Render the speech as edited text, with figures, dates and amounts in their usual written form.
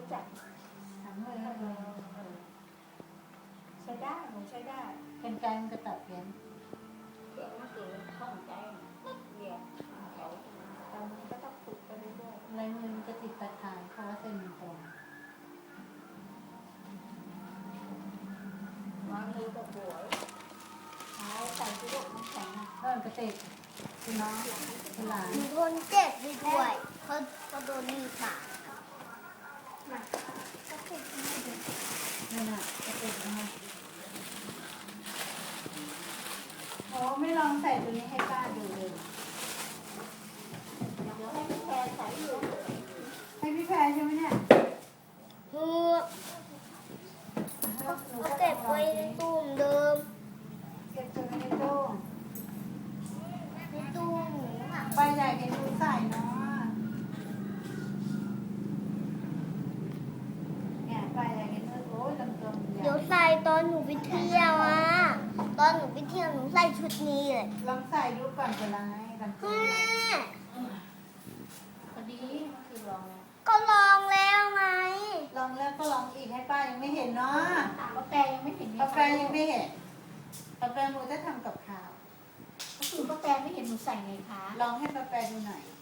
จักถังเลยใช้ได้หนูใช้ได้เป็นไกมันก็ตัดเพี้ยนเพี้ยนมันคือข้องใจเดียวเขาแต่มันก็ต้องฝึกไปเรื่อยๆลายมือมันจะติดตะข่ายเพราะว่าเส้นมันตรงวางมือกับหัวใส่ที่ลูกน้ำแข็งกระเตกคุณน้องคุณหลานโดนเจ็บด้วยเขาโดนมีดบาดนั่นน่ะกระเตกนะโอ้ไม่ลองใส่ตัวนี้ให้ป้าดูเลยเดี๋ยวให้พี่แพรใส่อยู่ให้พี่แพรใช่ไหมเนี่ยเขาเก็บไว้ในตู้เหมือนเดิมเก็บตัวในตู้ในตู้หนูอ่ะไปใหญ่เป็นตู้ใส่เนาะเนี่ยไปใหญ่เป็นตู้โอ้ยลำๆใหญ่เดี๋ยวใส่ตอนหนูไปเที่ยวอ่ะตอนหนูไปเที่ยวหนูใส่ชุดนี้เลยลองใส่ดูก่อนจะไรลำตัวแม่พอดีมันคือลองแล้วก็ลองแล้วไงลองแล้วก็ลองอีกให้ป้ายังไม่เห็นเนาะกาแฟยังไม่เห็นกาแฟยังไม่เห็นกาแฟหนูจะทำกับข้าวก็คือกาแฟไม่เห็นหนูใส่ไงคะลองให้กาแฟดูหน่อย